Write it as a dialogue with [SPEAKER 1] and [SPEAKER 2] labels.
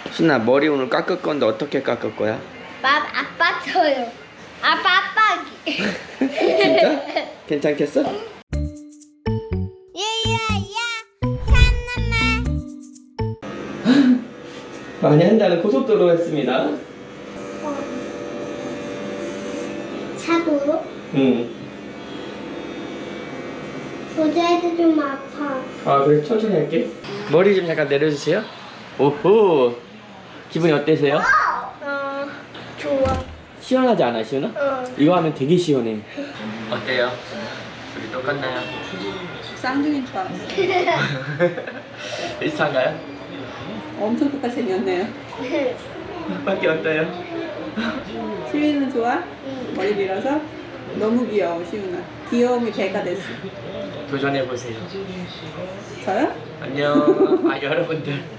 [SPEAKER 1] 신아, 머리 오늘 깎을 건데 어떻게 깎을 거야?
[SPEAKER 2] 아빠 줘요. 아빠기.
[SPEAKER 1] 진짜? 괜찮겠어?
[SPEAKER 2] 예예예. 산나마.
[SPEAKER 1] 많이 한다는 고속도로 했습니다.
[SPEAKER 2] 차도로?
[SPEAKER 1] 응.
[SPEAKER 2] 의자에도 좀 아파.
[SPEAKER 1] 아, 그래, 천천히 할게. 머리 좀 잠깐 내려주세요. 오호. 기분이 어때세요?
[SPEAKER 2] 좋아.
[SPEAKER 1] 시원하지 않아, 시원아?
[SPEAKER 2] 응.
[SPEAKER 1] 이거 하면 되게 시원해. 어때요? 우리 똑같나요?
[SPEAKER 3] 쌍둥이인 줄 알았어.
[SPEAKER 1] 비슷한가요?
[SPEAKER 3] 엄청 똑같이 생겼네요.
[SPEAKER 1] 밖에 어때요?
[SPEAKER 3] 시윤은 좋아? 머리 밀어서? 너무 귀여워, 시윤아. 귀여움이 배가 됐어.
[SPEAKER 1] 도전해보세요.
[SPEAKER 3] 저요?
[SPEAKER 1] 안녕. 아, 여러분들.